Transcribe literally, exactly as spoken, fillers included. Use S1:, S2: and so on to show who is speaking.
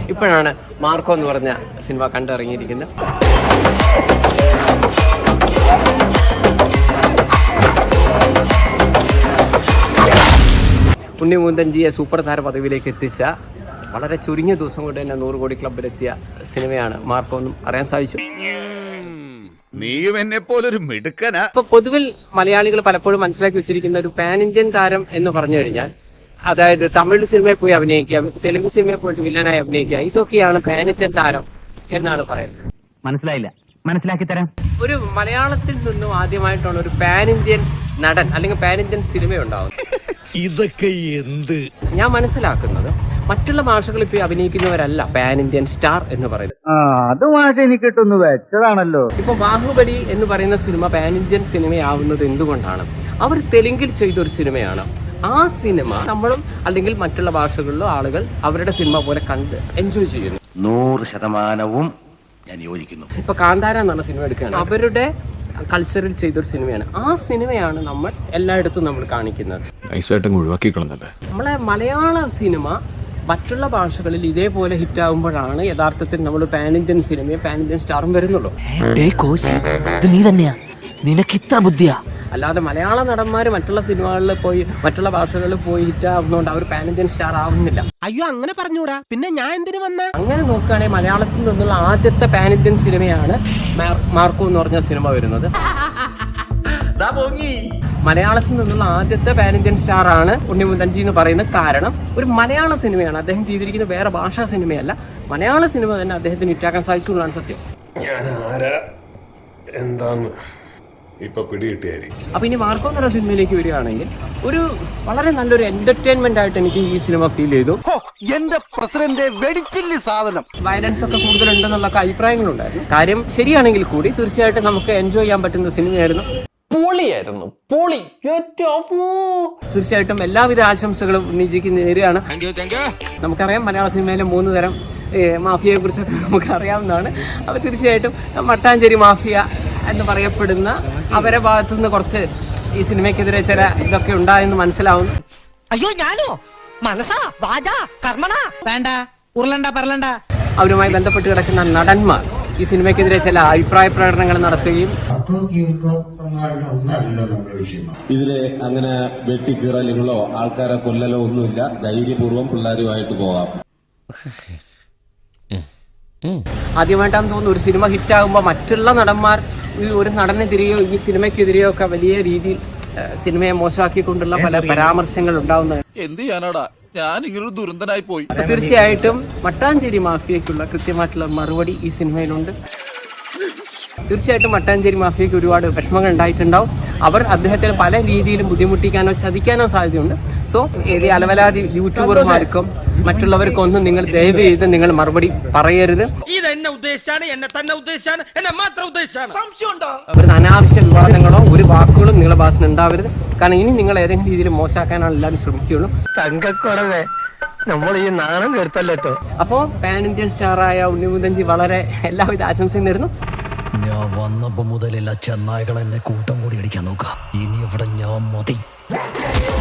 S1: ഇപ്പോഴാണ് മാർക്കോ എന്ന് പറഞ്ഞ സിനിമ കണ്ടിറങ്ങിയിരിക്കുന്നത്. ഉണ്ണിമുകുന്ദൻജിയെ സൂപ്പർ താര പദവിയിലേക്ക് എത്തിച്ച വളരെ ചുരുങ്ങിയ ദിവസം കൊണ്ട് തന്നെ നൂറ് കോടി ക്ലബിലെത്തിയ സിനിമയാണ് മാർക്കോ എന്നും അറിയാൻ സാധിച്ചു.
S2: നീയും എന്നെ പോലൊരു മിടുക്കനാ.
S1: ഇപ്പൊ പൊതുവിൽ മലയാളികൾ പലപ്പോഴും മനസ്സിലാക്കി വെച്ചിരിക്കുന്ന ഒരു പാൻ ഇന്ത്യൻ താരം എന്ന് പറഞ്ഞു കഴിഞ്ഞാൽ, അതായത് തമിഴ് സിനിമയിൽ പോയി അഭിനയിക്കുക, തെലുങ്ക് സിനിമയിൽ പോയിട്ട് വില്ലനായി അഭിനയിക്കുക, ഇതൊക്കെയാണ് പാൻ ഇന്ത്യൻ താരം എന്നാണ് പറയുന്നത്.
S3: മനസ്സിലായില്ല, മനസ്സിലാക്കി തരാം.
S1: ഒരു മലയാളത്തിൽ നിന്നും ആദ്യമായിട്ടാണ് ഒരു പാൻ ഇന്ത്യൻ നടൻ അല്ലെങ്കിൽ പാൻ ഇന്ത്യൻ സിനിമ ഉണ്ടാവുന്നത്.
S2: ഇതൊക്കെ എന്ത്?
S1: ഞാൻ മനസ്സിലാക്കുന്നത് മറ്റുള്ള ഭാഷകളിൽ പോയി അഭിനയിക്കുന്നവരല്ല പാൻ ഇന്ത്യൻ സ്റ്റാർ എന്ന് പറയുന്നത്.
S3: അത് മാഷെ എനിക്ക് കിട്ടുന്നു വെച്ചതാണല്ലോ.
S1: ഇപ്പൊ ബാഹുബലി എന്ന് പറയുന്ന സിനിമ പാൻ ഇന്ത്യൻ സിനിമയാവുന്നത് എന്തുകൊണ്ടാണ്? അവർ തെലുങ്കിൽ ചെയ്തൊരു സിനിമയാണ്. ആ സിനിമ നമ്മളും അല്ലെങ്കിൽ മറ്റുള്ള ഭാഷകളിലും ആളുകൾ അവരുടെ സിനിമ പോലെ കണ്ട് എൻജോയ് ചെയ്യുന്നു.
S4: നൂറ് ശതമാനവും ഞാൻ യോജിക്കുന്നു.
S1: ഇപ്പൊ കാന്താര എന്നാണ് സിനിമ എടുക്കുകയാണ്, അവരുടെ കൾച്ചറിൽ ചെയ്തൊരു സിനിമയാണ്. ആ സിനിമയാണ് നമ്മൾ എല്ലായിടത്തും നമ്മൾ കാണിക്കുന്നത്. നമ്മളെ മലയാള സിനിമ മറ്റുള്ള ഭാഷകളിൽ ഇതേപോലെ ഹിറ്റ് ആകുമ്പോഴാണ് യഥാർത്ഥത്തിൽ നമ്മൾ പാൻ ഇന്ത്യൻ സിനിമയും പാൻ ഇന്ത്യൻ സ്റ്റാറും വരുന്നുള്ളൂ.
S5: നീ തന്നെയാ, നിനക്ക് ഇത്ര ബുദ്ധിയാ.
S1: അല്ലാതെ മലയാള നടന്മാർ മറ്റുള്ള സിനിമകളിൽ പോയി മറ്റുള്ള ഭാഷകളിൽ പോയി ഹിറ്റ് ആവുന്നതുകൊണ്ട് അവർ പാൻ ഇന്ത്യൻ സ്റ്റാർ ആവുന്നില്ല.
S5: അയ്യോ അങ്ങനെ പറഞ്ഞൂടാ, പിന്നെ ഞാൻ എന്തിനു വന്ന?
S1: അങ്ങനെ നോക്കുകയാണെങ്കിൽ മലയാളത്തിൽ നിന്നുള്ള ആദ്യത്തെ പാൻ ഇന്ത്യൻ സിനിമയാണ് മാർക്കോ എന്ന് പറഞ്ഞ സിനിമ വരുന്നത്. മലയാളത്തിൽ നിന്നുള്ള ആദ്യത്തെ പാൻ ഇന്ത്യൻ സ്റ്റാർ ആണ് ഉണ്ണിമുകുന്ദൻജി എന്ന് പറയുന്നത്. കാരണം ഒരു മലയാള സിനിമയാണ് അദ്ദേഹം ചെയ്തിരിക്കുന്നത്, വേറെ ഭാഷാ സിനിമയല്ല. മലയാള സിനിമ തന്നെ അദ്ദേഹത്തിന് ഹിറ്റാക്കാൻ സാധിച്ചുള്ളതാണ് സത്യം.
S6: ഞാൻ ആരാ എന്താന്ന് ഇപ്പൊ പിടികിട്ടിയായിരിക്കും.
S1: അപ്പൊ ഇനി മാർക്കോ എന്നുള്ള സിനിമയിലേക്ക് വരികയാണെങ്കിൽ ഒരു വളരെ നല്ലൊരു എന്റർടൈൻമെന്റ് ആയിട്ട് എനിക്ക് ഈ സിനിമ ഫീൽ ചെയ്തു.
S5: എന്റെ പ്രസിഡന്റ് വെടിച്ചില്ല സാധനം.
S1: വയലൻസ് ഒക്കെ കൂടുതലുണ്ടെന്നുള്ള അഭിപ്രായങ്ങളുണ്ടായിരുന്നു. കാര്യം ശരിയാണെങ്കിൽ കൂടി തീർച്ചയായിട്ടും നമുക്ക് എൻജോയ് ചെയ്യാൻ പറ്റുന്ന സിനിമയായിരുന്നു. പൊളിയായിരുന്നു, പൊളി. തീർച്ചയായിട്ടും എല്ലാവിധ ആശംസകളും ഉണ്ണിജിക്ക് നേരെയാണ്. നമുക്കറിയാം മലയാള സിനിമയിലെ മൂന്ന് തരം മാഫിയയെ കുറിച്ചൊക്കെ നമുക്ക് അറിയാവുന്നതാണ്. അപ്പോൾ തീർച്ചയായിട്ടും മട്ടാഞ്ചേരി മാഫിയ എന്ന് പറയപ്പെടുന്ന അവരെ ഭാഗത്തു നിന്ന് കുറച്ച് ഈ സിനിമയ്ക്കെതിരെ ചില ഇതൊക്കെ ഉണ്ടായെന്ന് മനസ്സിലാവുന്നു.
S5: അയ്യോ ഞാനോ മനസ്സാ വാജാ കർമ്മണ വേണ്ട ഉരുളണ്ട പറലണ്ട.
S1: അവരുമായി ബന്ധപ്പെട്ട് കിടക്കുന്ന നടന്മാർ ഈ സിനിമയ്ക്കെതിരെ ചില അഭിപ്രായ പ്രകടനങ്ങൾ നടത്തുകയും
S7: ഇതിലെ അങ്ങനെ വെട്ടിക്കീറലുകളോ ആൾക്കാരെ കൊല്ലലോ ഒന്നുമില്ല. ധൈര്യപൂർവ്വം പിള്ളേരുമായിട്ട് പോകാം.
S1: ആദ്യമായിട്ടാണെന്ന് തോന്നുന്നു ഒരു സിനിമ ഹിറ്റാകുമ്പോൾ മറ്റുള്ള നടന്മാർ ഒരു നടനെതിരെയോ ഈ സിനിമയ്ക്കെതിരെയോ ഒക്കെ വലിയ രീതിയിൽ സിനിമയെ മോശമാക്കിക്കൊണ്ടുള്ള പല പരാമർശങ്ങൾ ഉണ്ടാവുന്നത്.
S2: എന്ത് ചെയ്യാനാടാ, ഞാൻ ഇങ്ങനൊരു ദുരന്തനായി പോയി.
S1: തീർച്ചയായിട്ടും മട്ടാഞ്ചേരി മാഫിയയ്ക്കുള്ള കൃത്യമായിട്ടുള്ള മറുപടി ഈ സിനിമയിലുണ്ട്. തീർച്ചയായിട്ടും മട്ടാഞ്ചേരി മാഫിയയ്ക്ക് ഒരുപാട് വിഷമങ്ങൾ ഉണ്ടായിട്ടുണ്ടാവും. അവർ അദ്ദേഹത്തിന് പല രീതിയിലും ബുദ്ധിമുട്ടിക്കാനോ ചതിക്കാനോ സാധ്യതയുണ്ട്. സോ ഏത് അലവലാതി യൂട്യൂബർമാർക്കും മറ്റുള്ളവർക്കൊന്നും നിങ്ങൾ ദയവ് ചെയ്ത് നിങ്ങൾ മറുപടി പറയരുത്. ഒരു അനാവശ്യ വിവാദങ്ങളോ ഒരു വാക്കുകളും നിങ്ങളുടെ ഭാഗത്ത് നിന്ന് ഉണ്ടാവരുത്. കാരണം ഇനി നിങ്ങൾ ഏതെങ്കിലും രീതിയിൽ മോശമാക്കാനാണ് എല്ലാവരും ശ്രമിക്കുകയുള്ളൂ.
S3: തങ്കക്കുറവേ നമ്മൾ ഈ നാണം കേട്ടല്ലോ.
S1: അപ്പോൾ പാൻ ഇന്ത്യൻ സ്റ്റാറായ ഉണ്ണിമുകുന്ദൻജി വളരെ എല്ലാവിധ ആശംസയും നേരുന്നു.
S5: ഞാൻ വന്നപ്പോ മുതലെല്ലാ ചെന്നായ്കൾ എന്നെ കൂട്ടം കൂടി അടിക്കാൻ നോക്കാം. ഇനി ഇവിടെ ഞാൻ മതി.